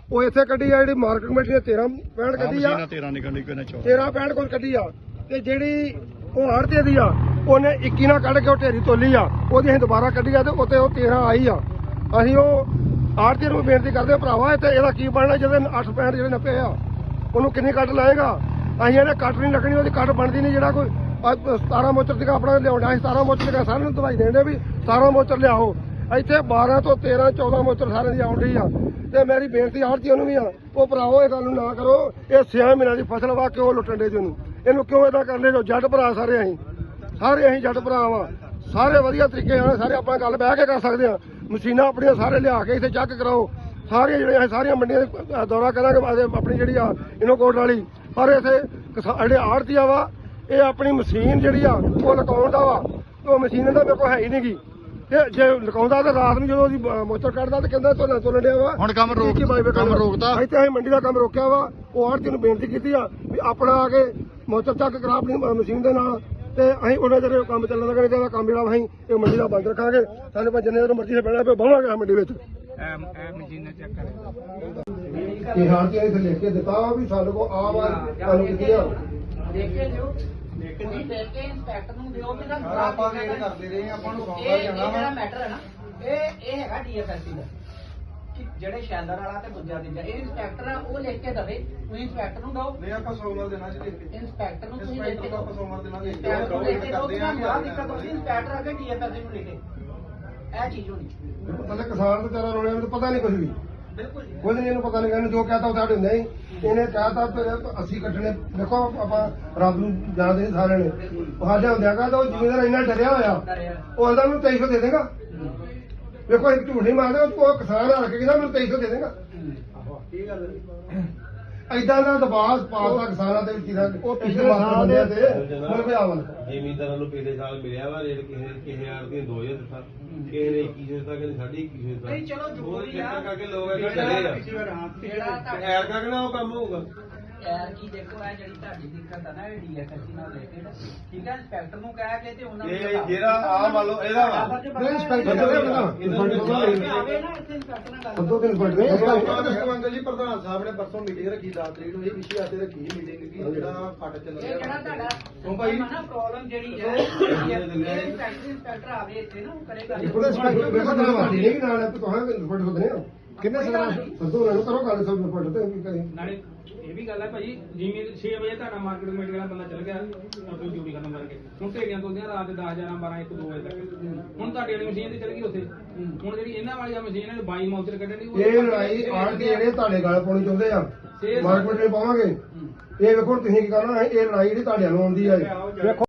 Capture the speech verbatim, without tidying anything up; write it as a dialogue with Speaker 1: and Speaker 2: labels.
Speaker 1: ਉਹ ਇੱਥੇ ਕੱਢੀ ਆ, ਜਿਹੜੀ ਮਾਰਕੀਟ ਕਮੇਟੀ ਨੇ ਤੇਰਾਂ ਪੈਂਹਠ ਕੱਢੀ ਆ,
Speaker 2: ਤੇਰਾਂ ਨਿਕਲਣੀ ਕੋਈ ਨਾ ਚੌਦਾਂ
Speaker 1: ਤੇਰਾਂ ਪੈਂਹਠ ਕੋਲ ਕੱਢੀ ਆ, ਤੇ ਜਿਹੜੀ ਉਹ ਆੜ੍ਹਤੀਏ ਦੀ ਆ ਉਹਨੇ ਇੱਕੀ ਨਾਲ ਕੱਢ ਕੇ ਉਹ ਢੇਰੀ ਤੋਲੀ ਆ, ਉਹਦੀ ਅਸੀਂ ਦੁਬਾਰਾ ਕੱਢੀ ਆ ਤੇ ਉੱਤੇ ਉਹ ਤੇਰਾਂ ਆਈ ਆ। ਅਸੀਂ ਉਹ ਆੜ੍ਹਤੀਏ ਨੂੰ ਬੇਨਤੀ ਕਰਦੇ ਆ, ਭਰਾਵਾ ਤੇ ਇਹਦਾ ਕੀ ਬਣਨਾ ਜਿਹਦੇ ਅੱਠ ਪੈਂਹਠ ਜਿਹੜੇ ਨੱਪੇ ਆ, ਉਹਨੂੰ ਕਿੰਨੀ ਕੱਟ ਲਾਏਗਾ? ਅਸੀਂ ਇਹਨੇ ਕੱਟ ਨਹੀਂ ਲੱਗਣੀ, ਉਹਦੀ ਕੱਟ ਬਣਦੀ ਨਹੀਂ। ਜਿਹੜਾ ਕੋਈ ਸਤਾਰਾਂ ਮੋਚਰ ਸੀਗਾ ਆਪਣਾ ਲਿਆਉਣਾ ਸੀ, ਸਤਾਰਾਂ ਮੋਚਰ ਸੀਗਾ, ਸਾਰਿਆਂ ਨੂੰ ਦਵਾਈ ਦੇਣ ਵੀ ਸਤਾਰਾਂ ਮੋਚਰ ਲਿਆਓ। ਇੱਥੇ ਬਾਰਾਂ ਤੋਂ ਤੇਰਾਂ ਚੌਦਾਂ ਮੋਚਰ ਸਾਰਿਆਂ ਦੀ ਆਉਣ ਡਈ ਆ। ਤੇ ਮੇਰੀ ਬੇਨਤੀ ਆੜ੍ਹਤੀਆਂ ਨੂੰ ਵੀ ਆ, ਉਹ ਭਰਾਵੋ ਇਹ ਗੱਲ ਨੂੰ ਨਾ ਕਰੋ। ਇਹ ਛੇ ਮਹੀਨਿਆਂ ਦੀ ਫਸਲ ਵਾ, ਕਿਉਂ ਲੁੱਟਣ ਦੇ ਜਿਹਨੂੰ? ਇਹਨੂੰ ਕਿਉਂ ਏਦਾਂ ਕਰਦੇ ਜੋ? ਜੱਟ ਭਰਾ ਸਾਰੇ ਅਸੀਂ ਸਾਰੇ ਅਸੀਂ ਜੱਟ ਭਰਾ ਵਾ, ਸਾਰੇ ਵਧੀਆ ਤਰੀਕੇ ਨਾਲ ਸਾਰੇ ਆਪਾਂ ਗੱਲ ਬਹਿ ਕੇ ਕਰ ਸਕਦੇ ਆ। ਮਸ਼ੀਨਾਂ ਆਪਣੀਆਂ ਸਾਰੇ ਲਿਆ ਕੇ ਇੱਥੇ ਚੈੱਕ ਕਰਾਓ। ਸਾਰੀਆਂ ਜਿਹੜੀਆਂ ਅਸੀਂ ਸਾਰੀਆਂ ਮੰਡੀਆਂ ਦਾ ਦੌਰਾ ਕਰਾਂਗੇ ਆਪਣੀ ਜਿਹੜੀ ਆ ਇਨੋਕੋਟ ਵਾਲੀ। ਪਰ ਇੱਥੇ ਜਿਹੜੇ ਆੜ੍ਹਤੀਆ ਵਾ, ਇਹ ਆਪਣੀ ਮਸ਼ੀਨ ਜਿਹੜੀ ਆ ਉਹ ਲਕਾਉਣ ਦਾ ਵਾ, ਉਹ ਮਸ਼ੀਨ ਦਾ ਮੇਰੇ ਕੋਲ ਹੈ ਹੀ ਨਹੀਂ ਗੀ। ਤੇ ਜੇ ਲਕਾਉਂਦਾ ਤਾਂ ਰਾਤ ਨੂੰ ਜਦੋਂ ਉਹਦੀ ਮੋਚਰ ਕੱਢਦਾ ਤੇ ਕਹਿੰਦਾ ਝੋਨਾ ਤੋਲਣ ਡਿਆ ਵਾ।
Speaker 2: ਹੁਣ ਕੰਮ ਰੋਕ ਕੰਮ ਰੋਕਦਾ
Speaker 1: ਇੱਥੇ ਅਸੀਂ ਮੰਡੀ ਦਾ ਕੰਮ ਰੋਕਿਆ ਵਾ। ਉਹ ਆੜ੍ਹਤੀ ਨੂੰ ਬੇਨਤੀ ਕੀਤੀ ਆ ਵੀ ਆਪਣਾ ਆ ਕੇ ਮੋਚਰ ਚੱਕ ਕਰਾ ਆਪਣੀ ਮਸ਼ੀਨ ਦੇ ਨਾਲ, ਤੇ ਅਸੀਂ ਉਹਨਾਂ ਜਿਹੜੇ ਕੰਮ ਚੱਲਣ ਲੱਗਣੇ ਚਾਹੀਦਾ। ਕੰਮ ਜਿਹੜਾ ਅਸੀਂ ਇਹ ਮੰਡੀ ਦਾ ਬੰਦ ਰੱਖਾਂਗੇ। ਸਾਡੇ ਕੋਲ ਜਿੰਨੇ ਮਰਜ਼ੀ ਸੇ ਬਹਿਣਾ ਪਿਆ ਬਹਾਂਗੇ ਮੰਡੀ ਵਿੱਚ। ਇਹ ਆੜ੍ਹਤੀਆਂ ਇੱਥੇ ਲਿਖ ਕੇ ਦਿੱਤਾ ਵੀ ਸਾਡੇ ਕੋਲ ਆ ਵਾਰ ਤੁਹਾਨੂੰ ਕੀਤੀ ਆ।
Speaker 3: ਦੇਖ ਕੇ ਲਿਓ, ਤੁਸੀਂ ਦੇਖ ਕੇ ਇੰਸਪੈਕਟਰ ਨੂੰ ਦਿਓ ਵੀ ਨਾ
Speaker 4: ਆਪਾਂ ਵੇਟ ਕਰਦੇ ਰਹੇ ਆਪਾਂ ਨੂੰ ਸੌਂਪਾ
Speaker 3: ਇਹ
Speaker 4: ਜਾਣਾ
Speaker 3: ਜਿਹੜਾ
Speaker 4: ਵਾ।
Speaker 3: ਮੈਟਰ ਹੈ ਨਾ, ਇਹ ਇਹ ਹੈਗਾ ਡੀਐਫਐਸਸੀ ਦਾ, ਕਿ ਜਿਹੜੇ ਸ਼ੈਲਰ ਵਾਲਾ ਤੇ ਦੂਜਾ ਤੀਜਾ ਇਹ ਇੰਸਪੈਕਟਰ ਆ, ਉਹ ਲਿਖ ਕੇ ਦਵੇ। ਤੁਸੀਂ ਇੰਸਪੈਕਟਰ ਨੂੰ ਦਿਓ,
Speaker 4: ਨਹੀਂ ਆਪਾਂ ਸੋਮਵਾਰ ਦੇਣਾ ਜੀ ਲਿਖ ਕੇ।
Speaker 3: ਇੰਸਪੈਕਟਰ ਨੂੰ ਤੁਸੀਂ ਲਿਖ
Speaker 4: ਇੰਸਪੈਕਟਰ
Speaker 3: ਕੇ
Speaker 4: ਨੂੰ ਆਪਾਂ ਸੋਮਵਾਰ ਦੇਣਾ ਲਿਖ ਕੇ।
Speaker 3: ਇੰਸਪੈਕਟਰ ਨੂੰ ਲਿਖ ਕੇ ਦਿਓ,
Speaker 4: ਕਰਦੇ ਆਂ
Speaker 3: ਤੁਹਾਨੂੰ ਆਹ ਦਿੱਕਤ ਹੋਈ, ਇੰਸਪੈਕਟਰ ਅੱਗੇ ਡੀਐਫਐਸਸੀ ਨੂੰ ਲਿਖੇ। ਇਹ ਚੀਜ਼ ਹੋਣੀ
Speaker 1: ਪਤਾ ਕਿਸਾਨ ਤੇ ਤੇਰਾ ਰੋਲਿਆ ਨੂੰ ਪਤਾ ਨਹੀਂ ਕੁਝ ਵੀ,
Speaker 3: ਬਿਲਕੁਲ ਜੀ।
Speaker 1: ਕੁਝ ਨਹੀਂ ਇਹਨੂੰ ਪਤਾ ਨਹੀਂ। ਇਹਨੂੰ ਜੋ ਕਹਤਾ ਉਹ ਸਾਡੇ ਹੁੰਦਾ ਹੀ। ਇਹਨੇ ਕਹਿਤਾ ਅਸੀਂ ਕੱਟਣੇ। ਦੇਖੋ ਆਪਾਂ ਰੱਬ ਨੂੰ ਜਾਣਦੇ ਨਹੀਂ ਸਾਰਿਆਂ ਨੇ। ਸਾਡੇ ਹੁੰਦਿਆਂ ਕਹਤਾ ਉਹ ਜ਼ਿਮੀਦਾਰ ਇੰਨਾ ਡਰਿਆ ਹੋਇਆ, ਉਹ ਇਹਦਾ ਮੈਨੂੰ ਤੇਈ ਸੌ ਦੇ ਦੇਗਾ। ਵੇਖੋ ਇੱਕ ਝੂਠ ਨਹੀਂ ਮਾਰਦੇ, ਉਹ ਕਿਸਾਨ ਆ ਕੇ ਕਹਿੰਦਾ ਮੈਨੂੰ ਤੇਈ ਸੌ ਦੇ ਦੇਗਾ। ਏਦਾਂ ਦਾ ਦਬਾਅ ਪਾਤਾ ਕਿਸਾਨਾਂ ਦੇ ਵਿੱਚ। ਉਹ ਪਿਛਲੇ ਸਾਲ ਦੇ ਮਤਲਬ ਆਵਲ
Speaker 5: ਜ਼ਿਮੀਂਦਾਰਾਂ ਨੂੰ ਪਿਛਲੇ ਸਾਲ ਮਿਲਿਆ ਵਾ ਰੇਟ, ਕਿਸੇ ਕਿਸੇ ਆੜ ਦੀ ਦੋ ਹਜ਼ਾਰ ਦਿੱਤਾ, ਕਿਸੇ ਨੇ ਇੱਕੀ ਸੌ ਦਿੱਤਾ, ਕਿਸੇ ਨੇ ਸਾਢੇ ਇੱਕੀ ਸੌ ਦਿੱਤਾ।
Speaker 3: ਨਹੀਂ ਚਲੋ ਜੋ ਵੀ ਆ,
Speaker 5: ਕਰਕੇ ਲੋਕ ਇਹ ਡਰੇ ਆ
Speaker 3: ਜਿਹੜਾ ਤੁਹਾਡਾ
Speaker 5: ਐਰ ਕਰਕੇ ਨਾ ਉਹ ਕੰਮ ਹੋਊਗਾ।
Speaker 3: ਯਾਰ ਕੀ ਦੇਖੋ, ਇਹ ਜਿਹੜੀ ਤੁਹਾਡੀ ਦਿੱਕਤ ਆ ਨਾ, ਇਹ ਡੀਐਫਐਸਸੀ ਨਾਲ ਰਿਲੇਟਡ, ਠੀਕ ਹੈ। ਇੰਸਪੈਕਟਰ ਨੂੰ ਕਹਿ ਕੇ ਤੇ ਉਹਨਾਂ ਨੂੰ
Speaker 5: ਇਹ ਜਿਹੜਾ ਆ ਮੰਨ ਲਓ ਇਹਦਾ ਵਾ
Speaker 1: ਨਹੀਂ ਇੰਸਪੈਕਟਰ ਦਾ
Speaker 3: ਆਵੇ ਨਾ ਇੱਥੇ ਇੰਸਪੈਕਟਰ ਨਾਲ ਗੱਲ
Speaker 1: ਅੱਧੋ ਦਿਨ ਪੜਦੇ
Speaker 4: ਅੰਕਲ ਜੀ ਪ੍ਰਧਾਨ ਸਾਹਿਬ ਨੇ ਪਰਸੋਂ ਮੀਟਿੰਗ ਰੱਖੀ ਦਸ ਤਰੀਕ ਨੂੰ। ਇਹ ਵਿਸ਼ੇ ਆਤੇ ਰੱਖੀ ਮੀਟਿੰਗ ਕੀ ਜਿਹੜਾ ਫਟ ਚੱਲ
Speaker 3: ਇਹ
Speaker 4: ਰਿਹਾ
Speaker 3: ਜਿਹੜਾ ਤੁਹਾਡਾ
Speaker 4: ਕਿਉਂ ਭਾਈ?
Speaker 3: ਨਾ ਪ੍ਰੋਬਲਮ ਜਿਹੜੀ ਹੈ, ਇਹ ਇੰਸਪੈਕਟਰ ਇੰਸਪੈਕਟਰ ਆਵੇ ਇੱਥੇ ਨਾ, ਉਹ ਕਰੇਗਾ।
Speaker 1: ਉਹਦਾ ਇੰਸਪੈਕਟਰ ਵੇਖੋ ਨਾ ਮਾਰੀ ਨਹੀਂ ਨਾਲ ਹੈ, ਤੁਹਾਂ ਇੰਸਪੈਕਟਰ ਹੁੰਦੇ ਨੇ ਕਿੰਨੇ ਸਦਾ ਸਦੋ ਉਹਨਾਂ ਨੂੰ ਕਰੋ ਗੱਲ ਸਭ ਇੰਸਪੈਕਟਰ ਤੇ ਕੀ ਕਰੇ।
Speaker 6: ਨਾਲੇ ਇਹ ਵੀ ਗੱਲ ਹੈ ਭਾਜੀ, ਜਿਵੇਂ ਛੇ ਵਜੇ ਤੁਹਾਡਾ ਮਾਰਕੀਟ ਕਮੇਟੀ ਵਾਲਾ ਬੰਦਾ ਚੱਲ ਗਿਆ ਆਪਣੀ ਡਿਊਟੀ ਖਤਮ ਕਰਕੇ, ਹੁਣ ਢੇਰੀਆਂ ਤੋਲਦੀਆਂ ਰਾਤ ਦੇ ਦਸ ਗਿਆਰਾਂ ਬਾਰਾਂ ਇੱਕ ਦੋ ਵਜੇ ਤੱਕ। ਹੁਣ ਤੁਹਾਡੀ ਵਾਲੀ ਮਸ਼ੀਨ ਤੇ ਚੱਲ ਗਈ ਉੱਥੇ। ਹੁਣ ਜਿਹੜੀ ਇਹਨਾਂ ਵਾਲੀ ਆ ਮਸ਼ੀਨ ਹੈ ਬਾਈ ਮੌਚਰ ਕੱਢਣ ਦੀ,
Speaker 1: ਇਹ ਲੜਾਈ ਆੜ ਕੇ ਜਿਹੜੇ ਤੁਹਾਡੇ ਗੱਲ ਪਾਉਣੀ ਚਾਹੁੰਦੇ ਆ, ਮਾਰਕੀਟ ਨੇ ਪਾਵਾਂਗੇ। ਇਹ ਵੇਖੋ ਤੁਸੀਂ ਕੀ ਕਰਨਾ, ਇਹ ਲੜਾਈ ਜਿਹੜੀ ਤੁਹਾਡੇ ਨੂੰ ਆਉਂਦੀ ਆ। ਵੇਖੋ